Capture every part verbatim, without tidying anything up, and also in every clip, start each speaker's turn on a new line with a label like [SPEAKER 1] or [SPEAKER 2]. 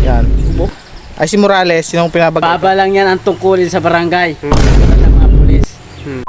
[SPEAKER 1] Yan. Ay si Morales, yung pinabag...
[SPEAKER 2] Baba lang yan ang tungkulin sa barangay.
[SPEAKER 1] Hmm.
[SPEAKER 2] Ng mga pulis.
[SPEAKER 3] Hmm.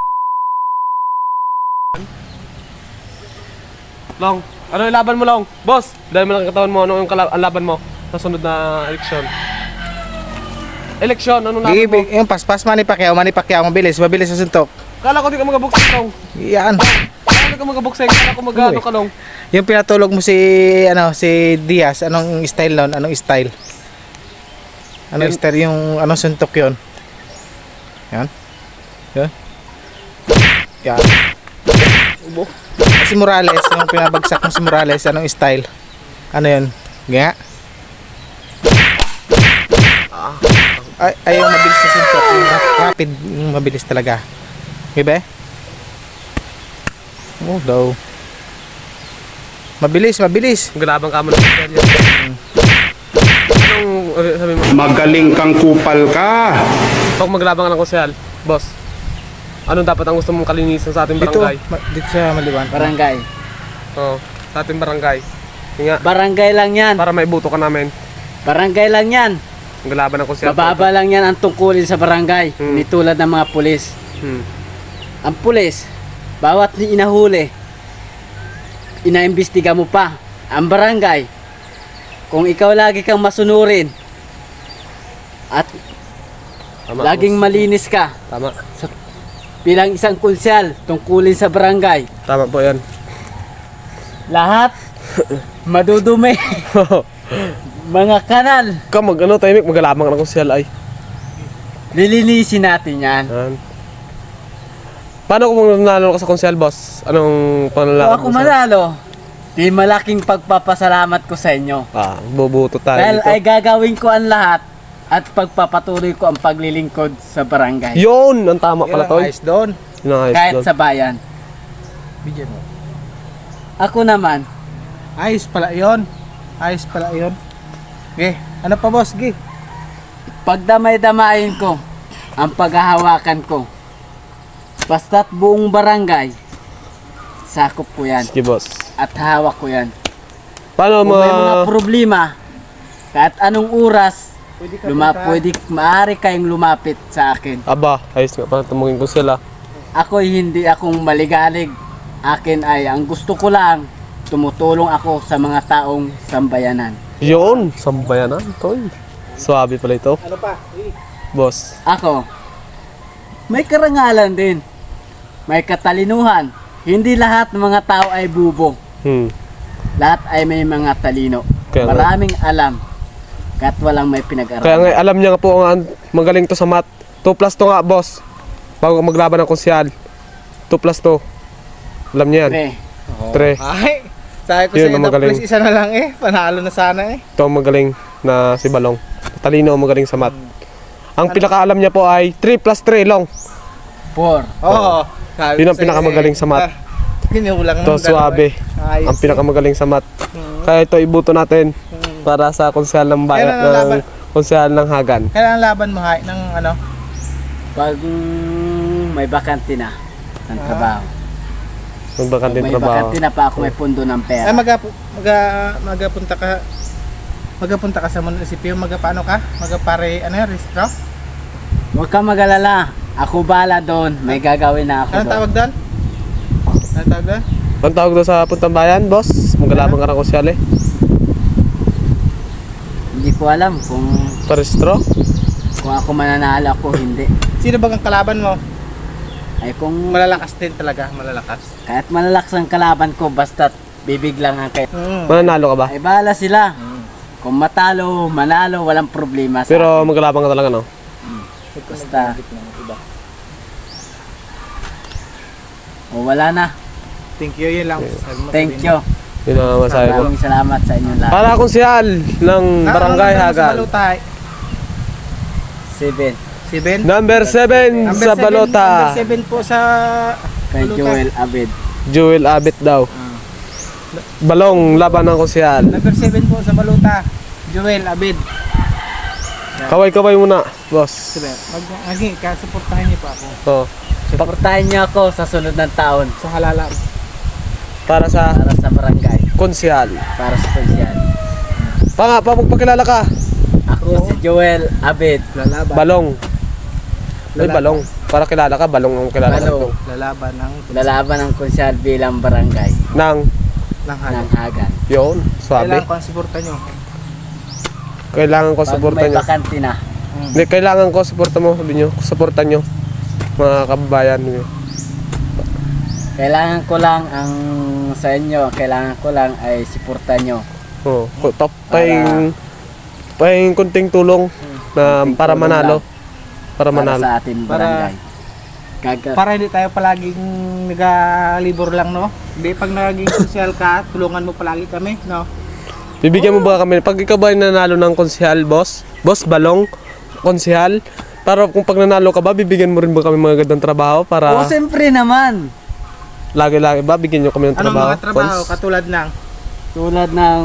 [SPEAKER 3] Long, ano yung laban mo, Long? Boss, dahil mo lang katawan mo, ano yung kala- ang laban mo sa sunod na eleksyon? Eleksyon, anong laban mo?
[SPEAKER 1] Yung paspas, Manny Pacquiao, Manny Pacquiao, mabilis, mabilis sa suntok.
[SPEAKER 3] Kala ko di ka magabuksing, Long.
[SPEAKER 1] Yan.
[SPEAKER 3] Kala ko di ka magabuksing, kala ko mag-ano ka, Long.
[SPEAKER 1] Yung pinatulog mo si, ano, si Diaz, anong style nun? Anong style? Anong
[SPEAKER 3] Yan.
[SPEAKER 1] style yung, anong suntok yun? Yan. Yan. Yan.
[SPEAKER 3] Ubo.
[SPEAKER 1] Si Morales, yung pinabagsak mo si Morales, anong style? Ano yun? Nga? Ay, ay yung mabilis na suntok, yung rap- rapid, yung mabilis talaga. Diba? Oh, daw. Mabilis, mabilis.
[SPEAKER 3] Galabang ka mo ng yan. Anong uh, sabi mo?
[SPEAKER 4] Magaling kang kupal ka.
[SPEAKER 3] Pag maglabang ka ng konsyal, boss, anong dapat ang gusto mong kalinisan sa ating
[SPEAKER 1] Dito,
[SPEAKER 3] barangay?
[SPEAKER 1] ma- dito sa Maliwan.
[SPEAKER 2] Barangay.
[SPEAKER 3] Oo, sa ating barangay. Yun nga,
[SPEAKER 2] Barangay lang yan.
[SPEAKER 3] para maibuto ka namin.
[SPEAKER 2] Barangay lang yan.
[SPEAKER 3] Ang galaban ng konsyal.
[SPEAKER 2] Mababa lang yan ang tungkulin sa barangay.
[SPEAKER 3] Hmm.
[SPEAKER 2] Hindi tulad ng mga pulis.
[SPEAKER 3] Hmm.
[SPEAKER 2] Ang pulis, bawat inahuli, inaimbestiga mo pa. Ang barangay, kung ikaw lagi kang masunurin at
[SPEAKER 3] Tama,
[SPEAKER 2] laging
[SPEAKER 3] boss.
[SPEAKER 2] malinis ka
[SPEAKER 3] Tama.
[SPEAKER 2] bilang isang konsyal tungkulin sa barangay,
[SPEAKER 3] Tama po yan.
[SPEAKER 2] lahat madudumi. Mga kanal,
[SPEAKER 3] Ka mag ano, timing, maglabang ka ng konsyal ay.
[SPEAKER 2] lilinisin natin yan.
[SPEAKER 3] Yan. Paano kung nanalo ka sa konsyal, boss? Anong
[SPEAKER 2] Kung
[SPEAKER 3] panlalakad
[SPEAKER 2] ako manalo, di malaking pagpapasalamat ko sa inyo.
[SPEAKER 3] Ah, bubuto tayo
[SPEAKER 2] Dahil
[SPEAKER 3] dito.
[SPEAKER 2] ay gagawin ko ang lahat at pagpapatuloy ko ang paglilingkod sa barangay.
[SPEAKER 3] Yun! Ang tama
[SPEAKER 1] Yun
[SPEAKER 3] pala
[SPEAKER 1] ang
[SPEAKER 3] to.
[SPEAKER 1] ayos doon.
[SPEAKER 3] Yun ang ayos
[SPEAKER 2] Kahit
[SPEAKER 3] doon.
[SPEAKER 2] sa bayan.
[SPEAKER 1] Bigyan mo.
[SPEAKER 2] Ako naman,
[SPEAKER 1] Ayos pala yun. Ayos pala yun. Okay. Ano pa boss? Gi.
[SPEAKER 2] pagdamay-damayin ko ang paghahawakan ko. Basta't buong barangay, sakop ko yan
[SPEAKER 3] Sige, boss.
[SPEAKER 2] at hawak ko yan.
[SPEAKER 3] Paano
[SPEAKER 2] Kung
[SPEAKER 3] mo...
[SPEAKER 2] may mga problema, kahit anong oras, luma, pwede, maaari kayong lumapit sa akin.
[SPEAKER 3] Aba, ayos nga pala tumungin ko sila.
[SPEAKER 2] Ako'y hindi akong maligalig. Akin ay ang gusto ko lang, tumutulong ako sa mga taong sambayanan.
[SPEAKER 3] Yun! Sambayanan, toy. Swabe pala ito.
[SPEAKER 1] Ano pa?
[SPEAKER 3] Boss.
[SPEAKER 2] Ako, may karangalan din. May katalinuhan. Hindi lahat ng mga tao ay bubo.
[SPEAKER 3] Hmm.
[SPEAKER 2] Lahat ay may mga talino.
[SPEAKER 3] Kaya nga.
[SPEAKER 2] Maraming alam. Kahit walang may pinag-aralan.
[SPEAKER 3] Kaya nga, alam niya nga po ang magaling to sa math. two plus two nga, boss. Bago maglaban ng konsyal. two plus two. Alam niya yan.
[SPEAKER 2] Pre,
[SPEAKER 3] Tre.
[SPEAKER 1] Ay. Sabi ko
[SPEAKER 3] Yun
[SPEAKER 1] sa'yo,
[SPEAKER 3] ang
[SPEAKER 1] daw,
[SPEAKER 3] magaling.
[SPEAKER 1] please, isa na lang eh. Panalo na sana eh.
[SPEAKER 3] Ito ang magaling na si Balong. Talino ang magaling sa math. Ang pinakaalam niya po ay three plus three, Long.
[SPEAKER 2] four.
[SPEAKER 1] Oo. Sabi
[SPEAKER 3] Yun
[SPEAKER 1] ko
[SPEAKER 3] ang
[SPEAKER 1] sa'yo,
[SPEAKER 3] pinakamagaling
[SPEAKER 1] eh.
[SPEAKER 3] sa math.
[SPEAKER 1] Ah, Kinulang
[SPEAKER 3] Ito,
[SPEAKER 1] ng dalawa,
[SPEAKER 3] suwabe.
[SPEAKER 1] eh. Ayos
[SPEAKER 3] Ang pinakamagaling sa math. Kaya ito ibuto natin para sa konsyal ng bayan,
[SPEAKER 1] Kailan ang laban?
[SPEAKER 3] ng konsyal ng Hagan.
[SPEAKER 1] yun. Kailangan laban mo hay ng ano?
[SPEAKER 2] Pag mm, may bakante na ng
[SPEAKER 1] Ah.
[SPEAKER 2] trabaho.
[SPEAKER 3] Magbakan din
[SPEAKER 2] May
[SPEAKER 3] trabaho.
[SPEAKER 2] bakante na pa ako, may pundo ng
[SPEAKER 1] Ay
[SPEAKER 2] pera.
[SPEAKER 1] maga maga magapunta ka magapunta ka sa munisipyo, magapaano ka? Magapare ano yan, restro?
[SPEAKER 2] Huwag kang mag-alala. Ako bala doon. May gagawin na ako
[SPEAKER 1] Anong
[SPEAKER 2] doon.
[SPEAKER 1] tawag doon? Anong tawag doon?
[SPEAKER 3] Ang tawag doon sa puntang bayan, boss? Maglalabang ka ng konsyal eh.
[SPEAKER 2] Hindi ko alam kung
[SPEAKER 3] Paristro?
[SPEAKER 2] kung ako mananalo ako hindi.
[SPEAKER 1] Sino ba ang kalaban mo?
[SPEAKER 2] Ay kung
[SPEAKER 1] Malalakas din talaga, malalakas.
[SPEAKER 2] kahit malalakas ang kalaban ko basta't bibig lang ang kayo.
[SPEAKER 1] Mm.
[SPEAKER 3] Mananalo ka ba?
[SPEAKER 2] Ay bahala sila. Kung matalo, manalo, walang problema sa
[SPEAKER 3] Pero maglalabang ka talaga, no?
[SPEAKER 2] basta. O wala na.
[SPEAKER 1] Thank you, yun lang. Sabi mo,
[SPEAKER 2] Thank
[SPEAKER 1] sabihin
[SPEAKER 2] you.
[SPEAKER 3] Yun ang masabi ko.
[SPEAKER 2] Maraming salamat sa inyong lahat.
[SPEAKER 3] Para konsyal ng
[SPEAKER 1] mo.
[SPEAKER 3] Barangay
[SPEAKER 1] Ah, ano,
[SPEAKER 3] Hagan.
[SPEAKER 1] Sa Balotay.
[SPEAKER 2] Seven.
[SPEAKER 1] Seven?
[SPEAKER 3] Number seven
[SPEAKER 1] Number
[SPEAKER 3] sa
[SPEAKER 1] seven-
[SPEAKER 3] balota.
[SPEAKER 1] Number seven po sa
[SPEAKER 2] Kay
[SPEAKER 1] Balota.
[SPEAKER 2] Joel Abed.
[SPEAKER 3] Jewel Abit daw. Balong laban ng konsyal.
[SPEAKER 1] Number seven po sa Balota. Joel Abid.
[SPEAKER 3] Kaway-kaway muna, boss.
[SPEAKER 1] Sige, mag agi ka suportahan niyo pa ako
[SPEAKER 3] Oh,
[SPEAKER 2] Suportahan niyo ako sa sunod ng taon
[SPEAKER 1] sa halalan.
[SPEAKER 3] para sa
[SPEAKER 2] para sa barangay,
[SPEAKER 3] konsyal.
[SPEAKER 2] para sa konsyal.
[SPEAKER 3] Pa nga, pa magpakilala ka.
[SPEAKER 2] Joel Abed.
[SPEAKER 1] Lalaban.
[SPEAKER 3] Balong. Ay,
[SPEAKER 1] Lalaban.
[SPEAKER 3] balong. Para kilala ka, balong ang kilala
[SPEAKER 2] Balong.
[SPEAKER 3] ko.
[SPEAKER 1] Lalaban ng
[SPEAKER 2] Lalaban ng konsyal bilang barangay
[SPEAKER 3] Nang,
[SPEAKER 1] ng
[SPEAKER 2] ng
[SPEAKER 1] hagan.
[SPEAKER 2] Hagan.
[SPEAKER 3] yun, swabe.
[SPEAKER 1] Kailangan ko ang suporta nyo.
[SPEAKER 3] Kailangan ko
[SPEAKER 2] Pag
[SPEAKER 3] suporta
[SPEAKER 2] may
[SPEAKER 3] nyo.
[SPEAKER 2] bakante na.
[SPEAKER 3] Hindi, kailangan ko suporta mo, sabi nyo. Suporta nyo. Mga kababayan nyo.
[SPEAKER 2] Kailangan ko lang ang sa inyo, kailangan ko lang ay suporta nyo.
[SPEAKER 3] Oh, ko- top pahing pahing kunting tulong na
[SPEAKER 2] Kunting
[SPEAKER 3] para
[SPEAKER 2] tulong
[SPEAKER 3] manalo.
[SPEAKER 2] lang.
[SPEAKER 3] Para
[SPEAKER 2] Para
[SPEAKER 3] manalo.
[SPEAKER 2] sa ating
[SPEAKER 1] Para-
[SPEAKER 2] barangay. Kaga,
[SPEAKER 1] Para hindi tayo palaging nagalibor lang, no? Hindi, pag naging social ka, tulungan mo palagi kami, no?
[SPEAKER 3] Bibigyan mo ba kami pag ikaw ba ay nanalo ng konsehal, boss? Boss Balong, konsehal? Para kung pag nanalo ka ba, bibigyan mo rin ba kami mga gandang trabaho para
[SPEAKER 2] Oo, siyempre naman.
[SPEAKER 3] lagi-lagi ba bigyan nyo kami ng
[SPEAKER 1] Anong
[SPEAKER 3] trabaho?
[SPEAKER 1] mga trabaho,
[SPEAKER 3] Cons?
[SPEAKER 1] katulad ng...
[SPEAKER 2] Tulad ng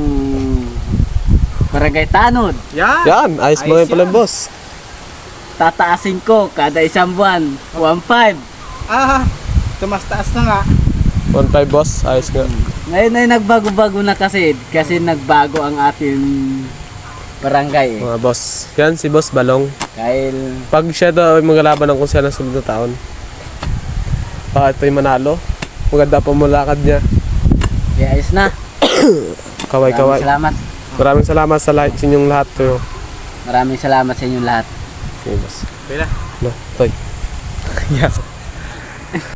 [SPEAKER 2] barangay tanod.
[SPEAKER 1] Yan!
[SPEAKER 3] Yan, ayos mo
[SPEAKER 1] Ayos
[SPEAKER 3] yun pala,
[SPEAKER 1] yan.
[SPEAKER 3] boss.
[SPEAKER 2] Tataasin ko kada isang buwan. one five.
[SPEAKER 1] Ah, tumas taas na nga.
[SPEAKER 3] one five boss, ayos nga.
[SPEAKER 2] Ngayon ay nagbago-bago na kasi. Kasi nagbago ang ating barangay eh.
[SPEAKER 3] Mga boss. Yan, si Boss Balong.
[SPEAKER 2] Dahil
[SPEAKER 3] Pag siya daw ay maglalaban ng konsehal ng sunod na taon, bakit tayo manalo? Maganda pa mulakad niya.
[SPEAKER 2] kaya ayos na.
[SPEAKER 3] Kaway-kaway.
[SPEAKER 2] Maraming salamat.
[SPEAKER 3] Maraming salamat sa lahat, sa inyong lahat. Tuyo.
[SPEAKER 2] Maraming salamat sa inyong lahat.
[SPEAKER 3] Okay, boss.
[SPEAKER 1] Pila.
[SPEAKER 3] No, toy. Yeah.